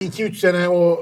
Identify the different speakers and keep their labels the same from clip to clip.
Speaker 1: 2-3 sene o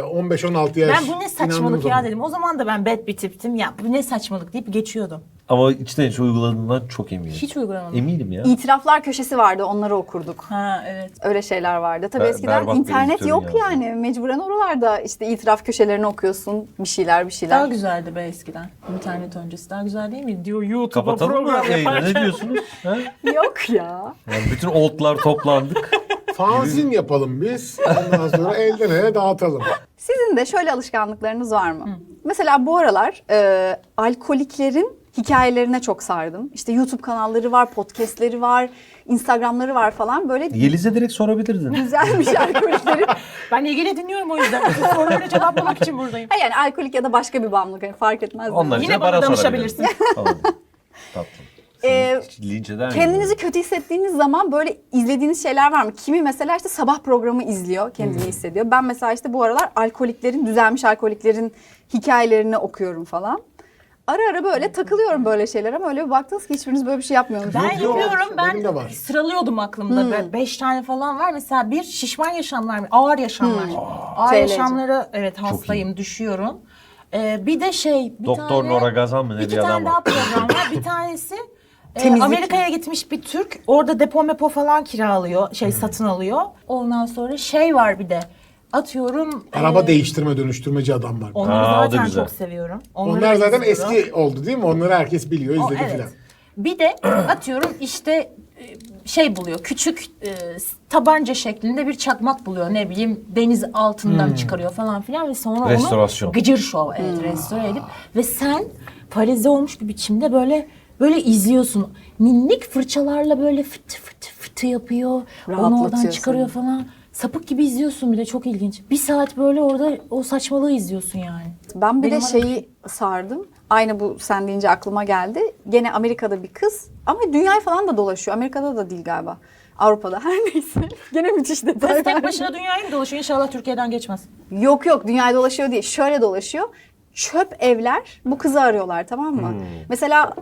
Speaker 1: 15-16 yaş.
Speaker 2: Ben bu ne saçmalık ya dedim. O zaman da ben bad bir tiptim. Ya bu ne saçmalık deyip geçiyordum.
Speaker 3: Ama içten içe uyguladığından çok eminim.
Speaker 2: Hiç uygulamadım.
Speaker 3: Eminim ya.
Speaker 4: İtiraflar köşesi vardı, onları okurduk.
Speaker 2: Ha evet.
Speaker 4: Öyle şeyler vardı. Tabii eskiden
Speaker 3: berbat bir
Speaker 4: internet
Speaker 3: editörün
Speaker 4: yok
Speaker 3: yazdığı.
Speaker 4: yani. Mecburen oralarda işte itiraf köşelerini okuyorsun. Bir şeyler.
Speaker 2: Daha güzeldi be eskiden. İnternet öncesi daha güzel değil mi? Diyor YouTube'a
Speaker 3: Kapatalım mı
Speaker 2: program
Speaker 3: yayını? Ne
Speaker 2: yaparken.
Speaker 3: diyorsunuz? Ha?
Speaker 4: Yok ya.
Speaker 3: Yani bütün oldlar toplandık.
Speaker 1: Fanzin yapalım biz. Ondan sonra elden ele dağıtalım.
Speaker 4: Sizin de şöyle alışkanlıklarınız var mı? Mesela bu aralar alkoliklerin hikayelerine çok sardım. İşte YouTube kanalları var, podcastleri var, Instagramları var falan. Böyle
Speaker 3: Yeliz'e direkt sorabilirdin.
Speaker 4: güzelmiş alkoliklerin.
Speaker 2: Ben ilgili dinliyorum o yüzden. Bu soruları cevaplamak için buradayım.
Speaker 4: Ha yani alkolik ya da başka bir bağımlılık yani fark etmez.
Speaker 3: Onlar için
Speaker 2: Yine
Speaker 3: bana
Speaker 2: bana
Speaker 3: sorabilirsin.
Speaker 2: danışabilirsin.
Speaker 3: Tamam. Tatlım. Hiç linç eder miyim?
Speaker 4: Kendinizi kötü hissettiğiniz zaman böyle izlediğiniz şeyler var mı? Kimi mesela işte sabah programı izliyor, kendini hissediyor. Ben mesela işte bu aralar düzelmiş alkoliklerin hikayelerini okuyorum falan. Ara ara böyle takılıyorum böyle şeyler ama öyle bir baktınız ki hiçbiriniz böyle bir şey yapmıyorsunuz.
Speaker 2: Ben
Speaker 1: Yok,
Speaker 2: yapıyorum.
Speaker 1: benim de
Speaker 2: Ben
Speaker 1: var.
Speaker 2: sıralıyordum aklımda. 5 tane falan var. Mesela bir şişman yaşamlar, ağır yaşamlar. Ağır
Speaker 4: TLC.
Speaker 2: yaşamlara evet hastayım, düşüyorum. Bir de bir
Speaker 3: Doktor
Speaker 2: tane,
Speaker 3: Nora Gazan mı ne
Speaker 2: İki
Speaker 3: bir adam
Speaker 2: tane daha
Speaker 3: var.
Speaker 2: program var. Bir tanesi
Speaker 4: Temizlik.
Speaker 2: Amerika'ya gitmiş bir Türk. Orada depo falan kiralıyor, satın alıyor. Ondan sonra var bir de. Atıyorum.
Speaker 1: Araba değiştirme, dönüştürmeci adam var.
Speaker 2: Onları
Speaker 3: Aa, o da
Speaker 2: zaten
Speaker 3: güzel.
Speaker 2: çok seviyorum. Onları
Speaker 1: Onlar
Speaker 2: da
Speaker 1: zaten
Speaker 2: izliyorum.
Speaker 1: eski oldu değil mi? Onları herkes biliyor, izledi
Speaker 2: Evet.
Speaker 1: filan.
Speaker 2: Bir de atıyorum işte buluyor. Küçük tabanca şeklinde bir çakmak buluyor. Ne bileyim deniz altından çıkarıyor falan filan ve sonra
Speaker 3: Restorasyon.
Speaker 2: onu gıcır şov restore edip ve sen paralize olmuş bir biçimde böyle izliyorsun. Minik fırçalarla böyle fıtı fıtı fıtı yapıyor. Onu oradan
Speaker 4: Rahatlatıyor
Speaker 2: çıkarıyor
Speaker 4: seni.
Speaker 2: falan. Sapık gibi izliyorsun bir de çok ilginç. Bir saat böyle orada o saçmalığı izliyorsun yani.
Speaker 4: Ben bir
Speaker 2: Benim
Speaker 4: de şeyi sardım. Aynı bu sen deyince aklıma geldi. Gene Amerika'da bir kız ama dünyayı falan da dolaşıyor. Amerika'da da değil galiba. Avrupa'da her neyse. Gene müthiş detay.
Speaker 2: Kız tek başına dünyayı mı dolaşıyor? İnşallah Türkiye'den geçmez.
Speaker 4: Yok dünyayı dolaşıyor değil. Şöyle dolaşıyor. Çöp evler bu kızı arıyorlar tamam mı? Mesela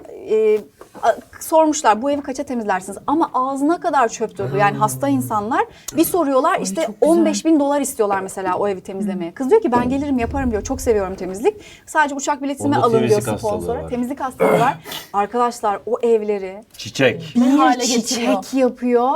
Speaker 4: sormuşlar bu evi kaça temizlersiniz? Ama ağzına kadar çöp dolu. Yani hasta insanlar bir soruyorlar işte
Speaker 2: çok güzel.
Speaker 4: 15.000 dolar istiyorlar mesela o evi temizlemeye. Kız diyor ki ben gelirim yaparım diyor. Çok seviyorum temizlik. Sadece uçak biletimi
Speaker 3: Onda
Speaker 4: alın diyor
Speaker 3: temizlik hastalığı
Speaker 4: sponsora.
Speaker 3: var.
Speaker 4: Temizlik hastalığı var. Arkadaşlar o evleri
Speaker 3: Çiçek.
Speaker 2: Ne hale
Speaker 4: bir
Speaker 2: getiriyor?
Speaker 4: çiçek yapıyor.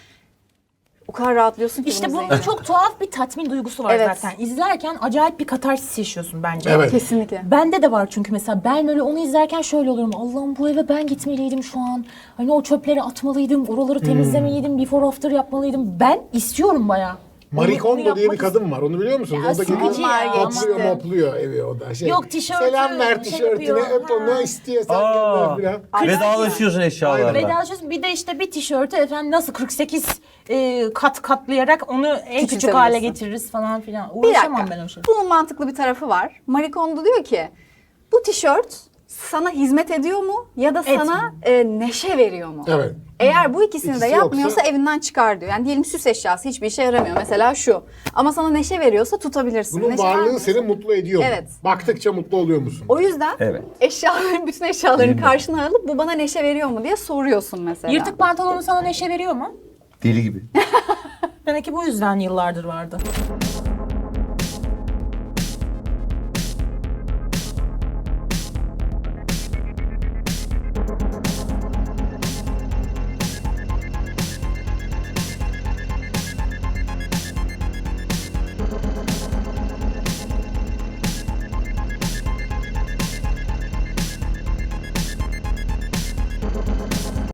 Speaker 4: O kadar rahatlıyorsun ki
Speaker 2: İşte
Speaker 4: bunu
Speaker 2: bunda
Speaker 4: izleyince.
Speaker 2: çok tuhaf bir tatmin duygusu var
Speaker 4: Evet.
Speaker 2: zaten. İzlerken acayip bir katarsis yaşıyorsun bence.
Speaker 1: Evet.
Speaker 4: Kesinlikle.
Speaker 2: Bende de var çünkü mesela ben öyle onu izlerken şöyle oluyorum. Allah'ım bu eve ben gitmeliydim şu an. Hani o çöpleri atmalıydım, oraları temizlemeliydim, before after yapmalıydım. Ben istiyorum bayağı.
Speaker 1: Marie
Speaker 2: Onu
Speaker 1: Kondo diye bir
Speaker 2: yapmak
Speaker 1: kadın var. Onu biliyor musunuz?
Speaker 2: Ya,
Speaker 1: O da gidiyor,
Speaker 2: sıkıcı ya.
Speaker 1: topluyor
Speaker 4: Geçti.
Speaker 1: mopluyor evi o da.
Speaker 2: Yok, tişörtü,
Speaker 1: Selam ver
Speaker 2: şey
Speaker 1: tişörtüne,
Speaker 2: yapıyor.
Speaker 1: öp onu,
Speaker 2: Ha.
Speaker 1: istiyorsan
Speaker 3: Aa,
Speaker 1: gönder filan.
Speaker 3: vedalaşıyorsun eşyalarla.
Speaker 2: Vedalaşıyorsun. Bir de işte bir tişörtü efendim nasıl 48 katlayarak onu en küçük
Speaker 4: Küçültebilirsin.
Speaker 2: hale getiririz falan filan.
Speaker 4: Bir
Speaker 2: Uğraşamam
Speaker 4: dakika.
Speaker 2: ben o şey.
Speaker 4: Bunun mantıklı bir tarafı var. Marie Kondo diyor ki bu tişört sana hizmet ediyor mu ya da sana neşe veriyor mu?
Speaker 1: Evet.
Speaker 4: Eğer bu ikisini de
Speaker 1: İkisi
Speaker 4: yapmıyorsa
Speaker 1: yoksa-
Speaker 4: evinden çıkar diyor. Yani diyelim süs eşyası hiçbir işe yaramıyor. Mesela şu. Ama sana neşe veriyorsa tutabilirsin.
Speaker 1: Bunun
Speaker 4: Neşe
Speaker 1: varlığı
Speaker 4: vermiyorsa-
Speaker 1: seni mutlu ediyor mu?
Speaker 4: Evet.
Speaker 1: Baktıkça mutlu oluyor musun?
Speaker 4: O yüzden
Speaker 3: Evet.
Speaker 4: bütün eşyalarını karşına alıp bu bana neşe veriyor mu diye soruyorsun mesela.
Speaker 2: Yırtık pantolonu sana neşe veriyor mu?
Speaker 3: Deli gibi.
Speaker 2: Demek ki bu yüzden yıllardır vardı.